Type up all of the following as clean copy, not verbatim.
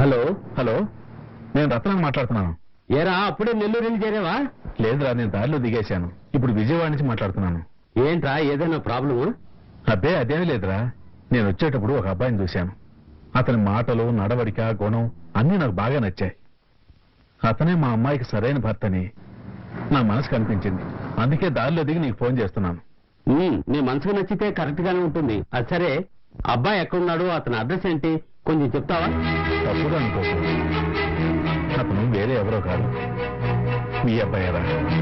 Hello hello, నేను రత్నం మాట్లాడుతున్నాను. ఏరా అప్పుడే నెల్లూరు వెళ్ళి చేరేవా? లేదురా, నేను దారిలో దిగేశాను. ఇప్పుడు విజయవాడ నుంచి మాట్లాడుతున్నాను. ఏంట్రా ఏదైనా ప్రాబ్లమా? అబ్బే అదేమీ లేదురా, నేను వచ్చేటప్పుడు ఒక అబ్బాయిని చూశాను. అతని మాటలు, నడవడిక, గుణం అన్నీ నాకు బాగా నచ్చాయి. అతనే మా అమ్మాయికి సరైన భర్తని నా మనసు కనిపించింది. అందుకే దారిలో దిగి నీకు ఫోన్ చేస్తున్నాను. నీ మనసుకు నచ్చితే కరెక్ట్ గానే ఉంటుంది. అది సరే, అబ్బాయి ఎక్కడున్నాడు, అతని అడ్రస్ ఏంటి కొంచెం చెప్తావా? తప్పుగా అనుకోకు, అతను వేరే ఎవరో కాదు, మీ అబ్బాయిరా.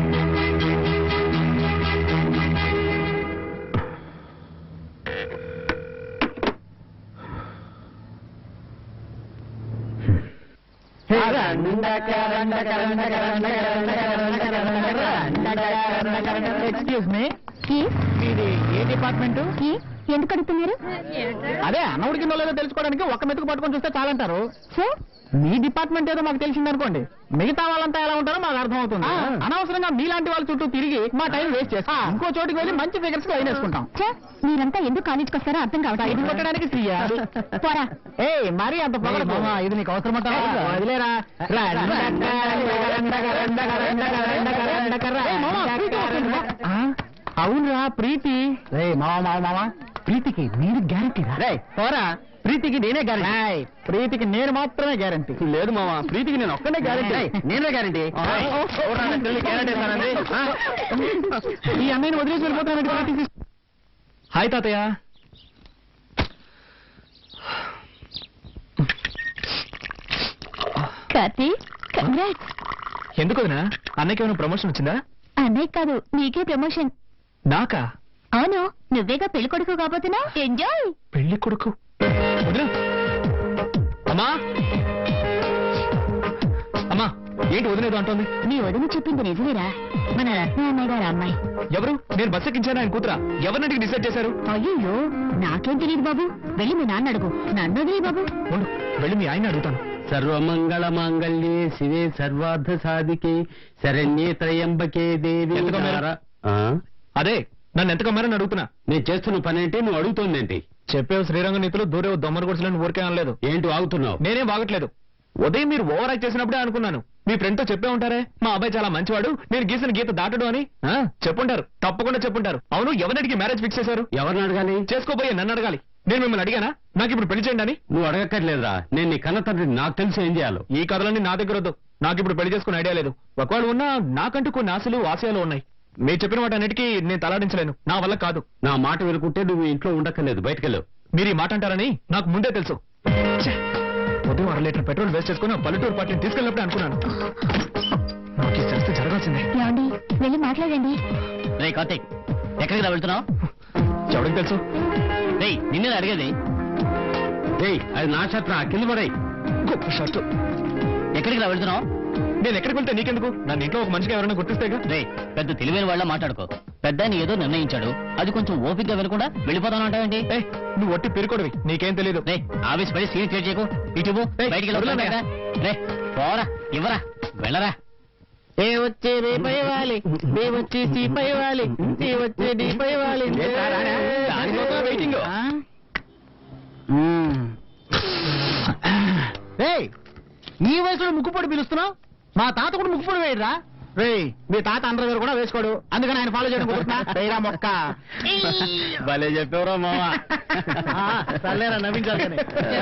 ఎక్స్క్యూజ్ మీ, ఇది ఏ డిపార్ట్మెంట్? ఎందుకు అడుగుతున్నారు? అదే అన్నవుడి కింద లేదో తెలుసుకోవడానికి ఒక్క మెతుకు పట్టుకొని చూస్తే చాలంటారు. సార్, మీ డిపార్ట్మెంట్ ఏదో మాకు తెలిసిందనుకోండి, మిగతా వాళ్ళంతా ఎలా ఉంటారో మాకు అర్థమవుతుంది. అనవసరంగా మీలాంటి వాళ్ళ చుట్టూ తిరిగి మా టైం వేస్ట్ చేస్తాం. ఇంకో చోటికి వెళ్ళి మంచి ఫిగర్స్ లైన్ వేసుకుంటాం. మీరంతా ఎందుకు కాలేజ్కి వస్తారో అర్థం ఇది కావట్లేదు. కొట్టడానికి ఫ్రీయా? పోరా. ఏ మరీ అంత పొగడకు. ఇది నీకు అవసరం వదిలేరా. అవునరా ప్రీతి. మావా ప్రీతికి నేను గ్యారంటీ పోరా. ప్రీతికి నేనే గ్యారంటీ. ప్రీతికి నేను మాత్రమే గ్యారంటీ. లేదు మావా, ప్రీతికి నేను ఒక్కనే గ్యారంటీ. నేనే గ్యారంటీ. ఈ అన్నయ్యని వదిలేసి వెళ్ళిపోతాను. హాయ్ తాతయ్య. కార్తీక్, కంగ్రాట్స్. ఎందుకు వదినా? అన్నయ్యకి ఏమైనా ప్రమోషన్ వచ్చిందా? అన్నయ్య కాదు, నీకే ప్రమోషన్. నాకా? అవును, నువ్వేగా పెళ్లి కొడుకు కాబోతున్నా. ఎంజాయ్. పెళ్లి కొడుకు? వదినా. అమ్మా అమ్మా, ఏంటి వదిలేదు అంటోంది? నీ వదిన చెప్పింది నిజమేరా, మన రత్న అన్నయ్య గారు అమ్మాయి. ఎవరు? నేను బస్ ఎక్కించాను ఆయన కూతురా? ఎవరినంటికి డిసైడ్ చేశారు? అయ్యో, నాకేం తెలియదు బాబు. వెళ్ళి మీ నాన్న అడుగు. నన్ను వదిలే బాబు. ఉండు, వెళ్ళి మీ ఆయన అడుగుతాను. సర్వమంగళ మాంగళ్యే శివే సర్వార్థ సాధికే శరణ్యే త్రయంబకే దేవి. అదే నన్ను ఎంత కమ్మారని అడుగుతున్నా. నేను చేస్తున్న పని ఏంటి, నువ్వు అడుగుతోందేంటి? చెప్పేవు శ్రీరంగ నీతులు, దూరేవు దొమ్మర గుడిసెలను ఊరికే అనలేదు. ఏంటి వాగుతున్నావు? నేనేం వాగట్లేదు. ఉదయం మీరు ఓవర్ యాక్ట్ చేసినప్పుడే అనుకున్నాను, మీ ఫ్రెండ్ తో చెప్పే ఉంటారే మా అబ్బాయి చాలా మంచివాడు, నేను గీసిన గీత దాటడు అని. చెప్పుంటారు, తప్పకుండా చెప్పుంటారు. అవును, ఎవరికి మ్యారేజ్ ఫిక్స్ చేశారు? ఎవరిని అడగాలి? చేసుకోబోయే నన్ను అడగాలి. నేను మిమ్మల్ని అడిగానా నాకు ఇప్పుడు పెళ్లి చేయండి అని? నువ్వు అడగక్కర్లేదురా, నేను నీ కన్న తండ్రి, నాకు తెలిసి ఏం చేయాలో. ఈ కథలన్నీ నా దగ్గర వద్దు. నాకు ఇప్పుడు పెళ్లి చేసుకునే ఐడియా లేదు. ఒకవేళ ఉన్నా నాకంటూ కొన్ని ఆశలు ఆశయాలు ఉన్నాయి. మీరు చెప్పిన వాటి అన్నిటికీ నేను తలాడించలేను, నా వల్ల కాదు. నా మాట వినుకుంటే నువ్వు ఇంట్లో ఉండక్కర్లేదు, బయటకెళ్ళు. మీరు ఈ మాట అంటారని నాకు ముందే తెలుసు. ఉదయం 1.5 లీటర్ పెట్రోల్ వేస్ట్ చేసుకుని పల్లెటూరు పార్టీని తీసుకెళ్ళినప్పుడే అనుకున్నాను నాకు ఈ శాస్త్రం జరగాల్సిందే. ఏమండి, వెళ్ళి మాట్లాడండి. రే కార్తీక్, ఎక్కడికి వెళ్తున్నావు? ఎవరికి తెలుసు? నిన్నే అడిగేది. అది నా షర్ట్, కింద పడే గొప్ప షర్టు. ఎక్కడికి వెళ్తున్నావు? నేను ఎక్కడికి వెళ్తే నీకెందుకు? నన్ను ఇంట్లో ఒక మనిషిగా ఎవరైనా గుర్తిస్తేగా. రే, పెద్ద తెలివైన వాళ్ళ మాట్లాడుకో. పెద్ద నీ ఏదో నిర్ణయించాడు, అది కొంచెం ఓపికగా వినకుండా వెళ్ళిపోతాను అంటావేంటి? నువ్వు ఒట్టి పెరుకోడివి, నీకేం తెలియదు. రే, ఆవేశపడి సీన్ క్రియేట్ చేయకు. ఇటు బయటికి రే, పోరా, ఇవ్వరా, వెళ్ళరా. ఏ వచ్చే రేపై వాలి, నీ వచ్చి సీపై వాలి, నీ వచ్చే నీపై వాలి. వెయిటింగ్. ఈ వయసులో ముక్కుపొడి పిలుస్తున్నావు? మా తాత కూడా ముక్కుపొడి వేయరా? రే, మీ తాత అండర్వేర్ కూడా వేసుకోడు, అందుకని ఆయన ఫాలో చేయడం కుదురుతున్నా మొక్క. భలే చెప్పేవరా మావా. సర్లేరా, నవ్వించాలి.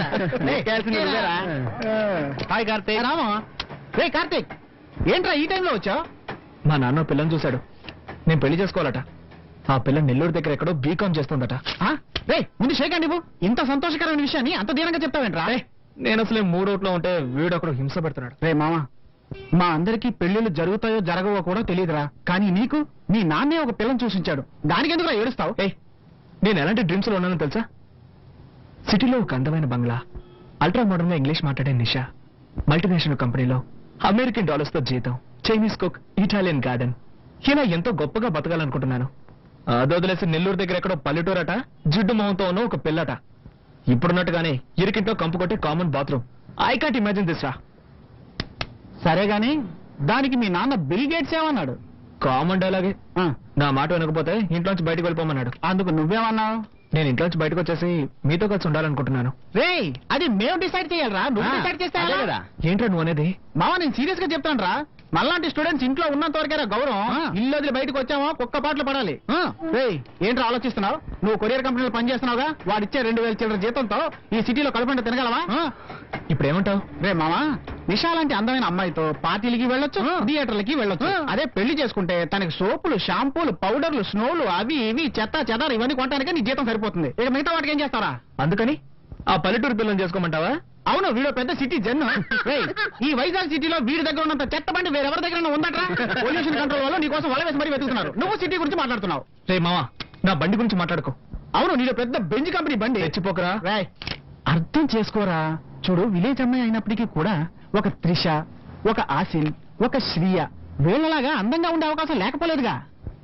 హాయ్ కార్తీక్. రామా. రే కార్తీక్, ఏంట్రా ఈ టైంలో వచ్చావు? మా నాన్న పిల్లని చూశాడు, నేను పెళ్లి చేసుకోవాలట. ఆ పిల్ల నెల్లూరు దగ్గర ఎక్కడో బీకాం చేస్తుందట. రే, ముందు షేక్ అండి. ఇంత సంతోషకరమైన విషయాన్ని అంత దీనంగా చెప్తావేంట్రా? నేను అసలే మూడోట్లో ఉంటే వీడొకడు హింస పెడుతున్నాడు. రే మామా, మా అందరికీ పెళ్లిళ్ళు జరుగుతాయో జరగవో కూడా తెలియదురా, కానీ నీకు నీ నాన్నే ఒక పిల్లని చూసించాడు, దానికి ఎందుకు ఏడుస్తావు? నేను ఎలాంటి డ్రీమ్స్ లో ఉన్నానో తెలుసా? సిటీలో ఒక అందమైన బంగ్లా, అల్ట్రా మోడర్న్ గా ఇంగ్లీష్ మాట్లాడే నిషా, మల్టీనేషనల్ కంపెనీలో అమెరికన్ డాలర్స్ తో జీతం, చైనీస్ కుక్, ఇటాలియన్ గార్డెన్, ఇలా ఎంతో గొప్పగా బతకాలనుకుంటున్నాను. అదొదిలేసి నెల్లూరు దగ్గర ఎక్కడో పల్లెటూరట, జిడ్డు మొహంతో ఉన్న ఒక పిల్లట. ఇప్పుడున్నట్టుగానే ఇరికింట్లో కంపు కొట్టే common bathroom. I can't imagine this రా. సరే గాని దానికి మీ నాన్న బిల్ గేట్స్ ఏమన్నాడు? కామన్ డైలాగే. నా మాట వినకపోతే ఇంట్లోంచి బయటకు వెళ్ళిపోమన్నాడు. అందుకు నువ్వేమన్నావు? నేను ఇంట్లోంచి బయటకు వచ్చేసి మీతో కలిసి ఉండాలనుకుంటున్నాను. రేయ్ అది మేము డిసైడ్ చేయాలరా, నువ్వు డిసైడ్ చేస్తే అదే ఎలా? కదా. ఏంట్రా నువ్వు అనేది? మావా నేను సీరియస్ గా చెప్తాను రా, మళ్ళాంటి స్టూడెంట్స్ ఇంట్లో ఉన్నంత వరకేరా గౌరవం. ఇల్లు వదిలి బయటకు వచ్చామో కుక్క పాటలు పడాలి. రేయ్ ఏంట్రా ఆలోచిస్తున్నావు? నువ్వు కొరియర్ కంపెనీలో పనిచేస్తున్నావుగా, వాడిచ్చే 2000 చిల్లర జీతంతో ఈ సిటీలో కడుపుంట తినగలవా? ఇప్పుడు ఏమంటావు? రే మావా, నిషా లాంటి అందమైన అమ్మాయితో పార్టీలకి వెళ్ళొచ్చు, థియేటర్లకి వెళ్ళొచ్చు. అదే పెళ్లి చేసుకుంటే తనకి సోపులు, షాంపూలు, పౌడర్లు, స్నోలు, అవి ఇవి చెత్త చెదారు ఇవన్నీ కొనడానికి నీ జీతం సరిపోతుంది. ఇక మిగతా వాటికి ఏం చేస్తారా? అందుకని ఆ పల్లెటూరు పిల్లని చేసుకోమంటావా? అవును, వీడు పెద్ద సిటీ జన్ను. ఈ వైజాగ్ సిటీలో వీడి దగ్గర ఉన్నంత చెత్త బండి వేరెవరి దగ్గర ఉందట్రా? పొల్యూషన్ కంట్రోల్ వల్ల నీకోసం వల వేసి మరీ వెతుకుతున్నారు. నువ్వు సిటీ గురించి మాట్లాడుతున్నావు. రే మావా, నా బండి గురించి మాట్లాడుకో. అవును, నీలో పెద్ద బెంజ్ కంపెనీ బండి. తెచ్చిపోకరా. రేయ్, అర్థం చేసుకోరా. చూడు, విలేజ్ అమ్మాయి అయినప్పటికీ కూడా ఒక త్రిష, ఒక ఆసిన్, ఒక శ్రీయ వీళ్ళలాగా అందంగా ఉండే అవకాశం లేకపోలేదుగా.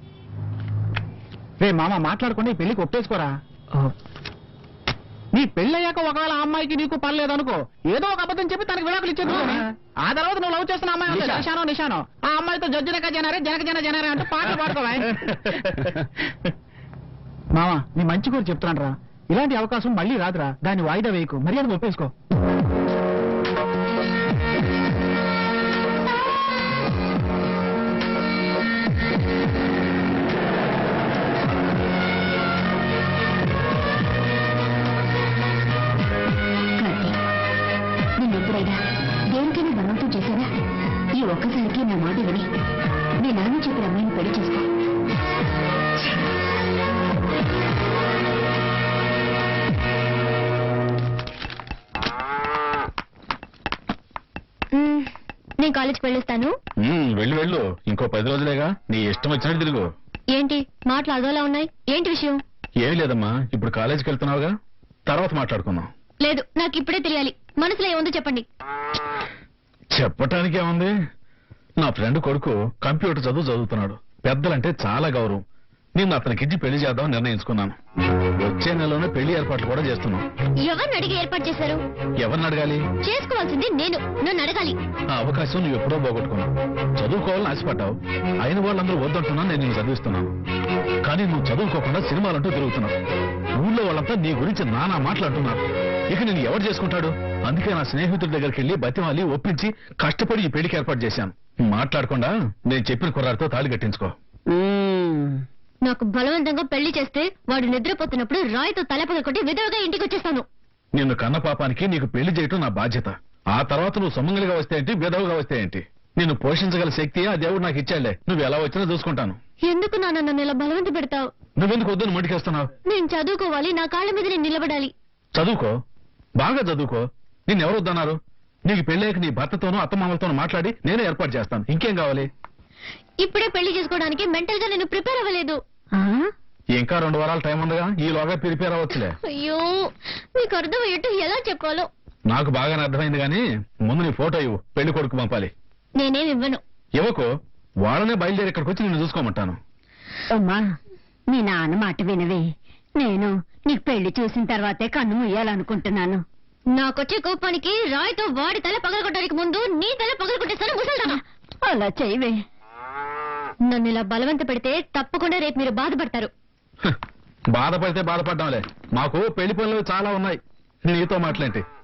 రే మామ, మాట్లాడకుండా ఈ పెళ్లికి ఒప్పేసుకోరా. నీ పెళ్ళయ్యాక ఒకవేళ ఆ అమ్మాయికి నీకు పర్లేదనుకో, ఏదో ఒక అబద్ధం చెప్పి తనకి విడాకులు ఇచ్చేది. ఆ తర్వాత నువ్వు లవ్ చేస్తున్న అమ్మాయి ఉంది, నిషానో ఆ అమ్మాయితో జనక జనరే అంటూ పాటలు పాడుకోవా. మామ, నీ మంచి కూడా చెప్తున్నాను రా, ఇలాంటి అవకాశం మళ్ళీ రాదురా. దాన్ని వాయిదా వేయకు, మర్యాద ఒప్పేసుకో. నిన్నెప్పుడైనా దేనికైనా బలవంతం చేశారా? ఈ ఒక్కసారికి నా మాట విని మీ నాన్న చెప్పిన అమ్మాయిని పెళ్లి చేసుకో. నేను కాలేజ్కి వెళ్ళొస్తాను. వెళ్ళు, ఇంకో 10 రోజులేగా, నీ ఇష్టం వచ్చినట్టు తిరుగు. ఏంటి మాటలు అదోలా ఉన్నాయి? ఏంటి విషయం? ఏమీ లేదమ్మా, ఇప్పుడు కాలేజీకి వెళ్తున్నావుగా, తర్వాత మాట్లాడుకుందాం. లేదు, నాకు ఇప్పుడే తెలియాలి. మనసులో ఏముందో చెప్పండి. చెప్పటానికి ఏముంది, నా ఫ్రెండ్ కొడుకు కంప్యూటర్ చదువుతున్నాడు. పెద్దలంటే చాలా గౌరవం. నేను అతనికిచ్చి పెళ్లి చేద్దామని నిర్ణయించుకున్నాను. వచ్చే నెలలోనే పెళ్లి ఏర్పాట్లు కూడా చేస్తున్నాం. ఎవరిని అడిగి ఏర్పాటు చేశారు? ఎవరిని అడగాలి? చేసుకోవాల్సింది నేను, నన్ను అడగాలి. ఆ అవకాశం నువ్వు ఎప్పుడో పోగొట్టుకున్నావు. చదువుకోవాలని ఆశపడ్డావు, అయిన వాళ్ళందరూ వద్దంటున్నా నేను నిన్ను చదివిస్తున్నాను. కానీ నువ్వు చదువుకోకుండా సినిమాలంటూ తిరుగుతున్నావు. ఊళ్ళో వాళ్ళంతా నీ గురించి నానా మాట్లాడుతున్నారు. ఇక నేను ఎవరు చేసుకుంటాడు? అందుకే నా స్నేహితుడి దగ్గరికి వెళ్ళి బతిమాలి ఒప్పించి కష్టపడి ఈ పెళ్లికి ఏర్పాటు చేశాను. మాట్లాడకుండా నేను చెప్పిన కుర్రాడితో తాళి కట్టించుకో. నాకు బలవంతంగా పెళ్లి చేస్తే వాడు నిద్రపోతున్నప్పుడు రాయితో తలపగ కొట్టి విధవగా ఇంటికి వచ్చేస్తాను. నిన్ను కన్న పాపానికి నీకు పెళ్లి చేయటం నా బాధ్యత. ఆ తర్వాత నువ్వు సొమ్మంగలిగా వస్తే ఏంటి, బెదవుగా వస్తే ఏంటి, నిన్ను పోషించగల శక్తి ఆ దేవుడు నాకు ఇచ్చాడులే. నువ్వు ఎలా వచ్చినా చూసుకుంటాను. ఎందుకు నాన్న నన్ను ఇలా బలవంత పెడతావు? నువ్వెందుకు వద్దని మొండికేస్తున్నావు? నేను చదువుకోవాలి, నా కాళ్ళ మీద నేను నిలబడాలి. చదువుకో, బాగా చదువుకో. నిన్నెవరు వద్దన్నారు? నీకు పెళ్ళాక నీ భర్తతోనూ అత్తమామలతోనూ మాట్లాడి నేనే ఏర్పాటు చేస్తాను. ఇంకేం కావాలి? ఇప్పుడే పెళ్లి చేసుకోవడానికి మెంటల్ గా నేను ప్రిపేర్ అవ్వలేదు. ఇంకా 2 వారాల టైం ఉందిగా, ఈలోగా ప్రిపేర్ అవ్వచ్చులే. అయ్యో, మీకు అర్థమయ్యేట్టు ఎలా చెప్పాలో. నాకు బాగానే అర్థమైంది గానీ ముందు నీ ఫోటో ఇవ్వు, పెళ్లి కొడుకు పంపాలి. నేనేం ఇవ్వను. ఇవ్వకు, వాళ్ళనే బయలుదేరి ఇక్కడికి వచ్చి నిన్ను చూసుకోమంటాను. అమ్మా, మీ నాన్న మాట వినవే. నేను నీకు పెళ్లి చూసిన తర్వాతే కన్ను ముయ్యాలనుకుంటున్నాను. నాకొచ్చే కోపానికి రాయితో వాడి తల పగలగొట్టడానికి ముందు నీ తల పగలగొట్టేస్తాను ముసల్దానా. అలా చేయవే. నన్ను ఇలా బలవంత పెడితే తప్పకుండా రేపు మీరు బాధపడతారు. బాధపడితే బాధపడ్డాంలే, మాకు పెళ్లి పనులు చాలా ఉన్నాయి. నీతో మాట్లాంటి